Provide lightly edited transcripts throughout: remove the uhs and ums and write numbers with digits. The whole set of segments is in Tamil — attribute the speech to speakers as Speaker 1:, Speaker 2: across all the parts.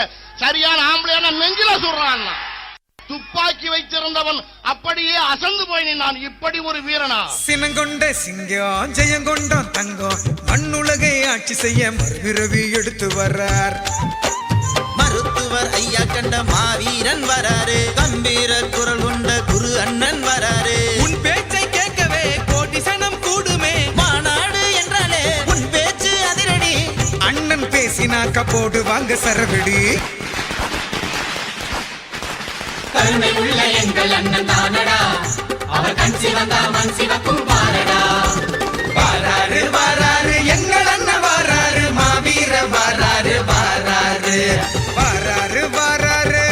Speaker 1: சரியான ஆம்பளையான நெஞ்சில சொல்றான். துப்பாக்கி வைத்திருந்தவன் அப்படியே அசந்து போய் நான் இப்படி ஒரு வீரனா?
Speaker 2: சினங்கொண்ட சிங்கம் ஜெயங்கொண்டம் தங்கம் மண்ணுலகை ஆட்சி செய்ய மறுபிறவி எடுத்து வர்றார்.
Speaker 3: மருத்துவர் ஐயா கண்ட மாவீரன் வராரு, கம்பீர குரல் கொண்ட குரு அண்ணன் வராரு.
Speaker 2: உன் பேச்சை கேட்கவே கோடி சனம் கூடுமே,
Speaker 3: மாநாடு என்றாலே உன் பேச்சு அதிரடி.
Speaker 2: அண்ணன் பேசினாக்க போடு வாங்க சரவெடி.
Speaker 4: கருணை உள்ள எங்கள் அண்ணன் தானடா, அவர் கண் சிவந்தா மண் சிவக்கும் பாரடா.
Speaker 2: வாராரு வாராரு எங்கள் அண்ணன் வாராரு, மாவீர வாராரு வாராரு வாராரு வாராரு.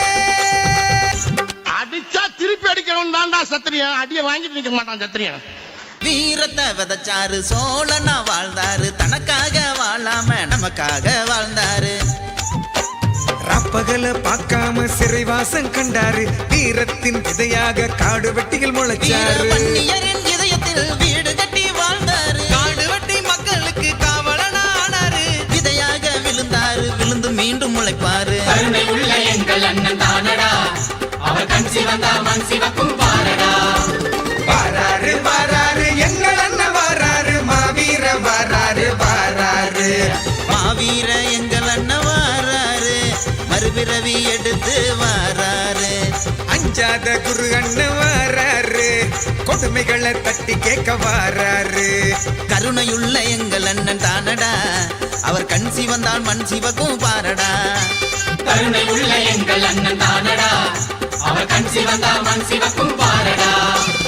Speaker 1: அடிச்சா திருப்பி அடிக்கணும் தான்டா சத்திரியன். அடிய வாங்கிட்டு நிக்க மாட்டான் சத்திரியன்.
Speaker 3: வீரத்தை விதைச்சாரு, சோழனா வாழ்ந்தாரு, தனக்காக வாழாம நமக்காக வாழ்ந்தாரு.
Speaker 2: ராப்பகல பார்க்காம சிறைவாசம் கண்டாரு, வீரத்தின் விதையாக காடு வெட்டிகள் முளைச்சாரு.
Speaker 3: வீரபன்னியரின் இதயத்தில் வீடு கட்டி வாழ்ந்தாரு,
Speaker 2: காடு வெட்டி மக்களுக்கு காவலனா ஆனாரு.
Speaker 3: விதையாக விழுந்தாரு, விழுந்து மீண்டும் முளைப்பாரு.
Speaker 4: கருணை உள்ள எங்கள் அண்ணன் தானடா, அவர் கண் சிவந்தா மண் சிவக்கும் பாரடா.
Speaker 2: வாராரு வாராரு எங்கள் அண்ணன் வாராரு, மாவீர வாராரு வாராரு.
Speaker 3: மாவீர எங்கள் அண்ணன் வாராரு, மறுபிறவி எடுத்து வாராரு.
Speaker 2: அஞ்சாத குரு அண்ணன் வாராரு, கொடுமைகளை தட்டி கேட்க வாராரு.
Speaker 3: கருணையுள்ள எங்கள் அண்ணன் தானடா, அவர் கண் சிவந்தால் மண் சிவக்கும் பாரடா.
Speaker 4: கருணை உள்ள எங்கள் அண்ணன் தானடா, அவர் கண் சிவந்தா மண் சிவக்கும் பாரடா.